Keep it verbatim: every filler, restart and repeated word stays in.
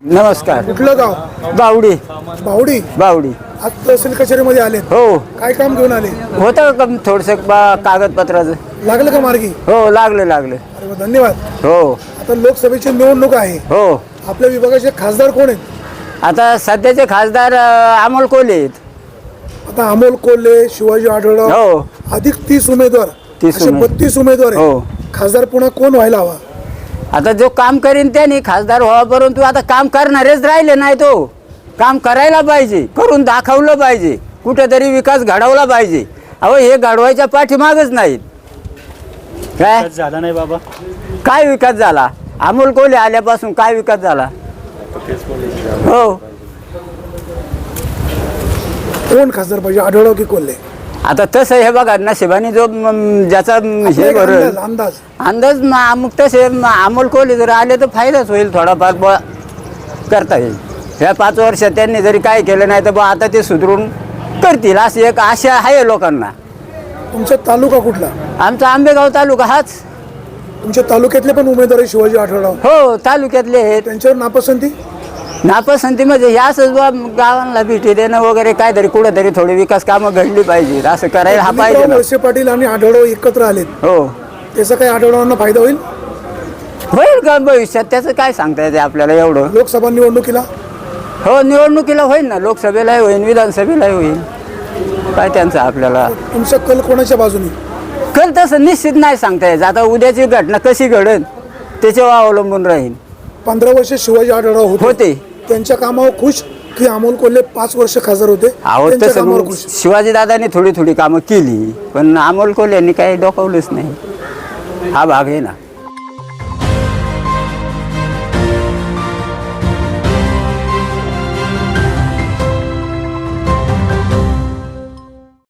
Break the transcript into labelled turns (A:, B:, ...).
A: नमस्कार.
B: कुठलं गाव?
A: बावडी.
B: बावडी.
A: बावडी.
B: आज तहसील कचेरीमध्ये आले.
A: हो.
B: काय काम घेऊन आले?
A: होतं का थोडस कागदपत्राचं?
B: लागलं का मार्गी?
A: हो लागलं लागलं.
B: अरे वा, धन्यवाद.
A: हो
B: आता लोकसभेची निवडणूक आहे.
A: हो.
B: आपल्या विभागाचे खासदार कोण आहेत?
A: आता सध्याचे खासदार अं, अमोल कोल्हे आहेत.
B: आता अमोल कोल्हे, शिवाजी आढळराव,
A: हो.
B: अधिक तीस उमेदवार,
A: तीस
B: असे
A: उमेद-
B: बत्तीस उमेदवार आहेत.
A: हो.
B: खासदार पुन्हा कोण व्हायला हवा?
A: आता जो काम करीन त्याने खासदार व्हावा, परंतु आता काम करणारेच राहिले नाही. तो काम करायला पाहिजे, करून दाखवलं पाहिजे, कुठेतरी विकास घडवला पाहिजे. अहो हे घडवायच्या पाठीमागच नाहीत. काय
C: विकास झाला नाही बाबा.
A: काय विकास झाला? अमोल कोल्हे आल्यापासून काय विकास झाला? हो.
B: कोण खासदार पाहिजे, आढळराव की कोल्हे?
A: आता तसं हे बघा नशिबाने जो म, ज्याचा म,
B: आपला
A: हे
B: एक
A: बरं
B: अंदाज अंदाज
A: अंदाज म- मग तसे म, अमोल कोल्हे जर आले तर फायदाच होईल थोडाफार बुवा करता येईल. ह्या पाच वर्षात त्यांनी जरी काय केलं नाही तर बुवा आता ते सुधरून करतील अशी एक आशा आहे लोकांना.
B: तुमचा तालुका कुठला?
A: आमचा आंबेगाव तालुका हाच.
B: तुमच्या तालुक्यातले पण उमेदवार आहे शिवाजी आढळराव,
A: हो तालुक्यातले आहेत.
B: त्यांच्यावर नापसंती?
A: नापसंती म्हणजे हे असंच बुवा गावांना भेटी देणं वगैरे काहीतरी कुठेतरी थोडी विकास कामं घडली पाहिजेत असं करायला हा पाहिजे
B: दिलीपराव
A: ना.
B: वळसे पाटील आणि आढळराव एकत्र आलेत,
A: हो.
B: त्याचा काही आढळरावांना फायदा होईल?
A: होईल का भविष्यात त्याचं काय सांगता येते आपल्याला एवढं?
B: लोकसभा निवडणुकीला
A: हो निवडणुकीला होईल ना, लोकसभेलाही होईल, विधानसभेलाही होईल. काय त्यांचं आपल्याला
B: तुमचा कल कोणाच्या बाजूने?
A: कल तसं निश्चित नाही सांगता यायचं. आता उद्याची घटना कशी घडेल त्याच्यावर अवलंबून राहील.
B: पंधरा वर्ष शिवाजी आढळराव होते,
A: होते.
B: त्यांच्या कामावर खुश की अमोल कोल्हे पाच वर्ष खासदार होते
A: अहो
B: त्यांच्या
A: तसं
B: कामावर
A: मग
B: खुश?
A: शिवाजी दादांनी थोडी थोडी कामं केली पण अमोल कोल्हे यांनी काही डोकावलंच नाही. हा भाग आहे ना.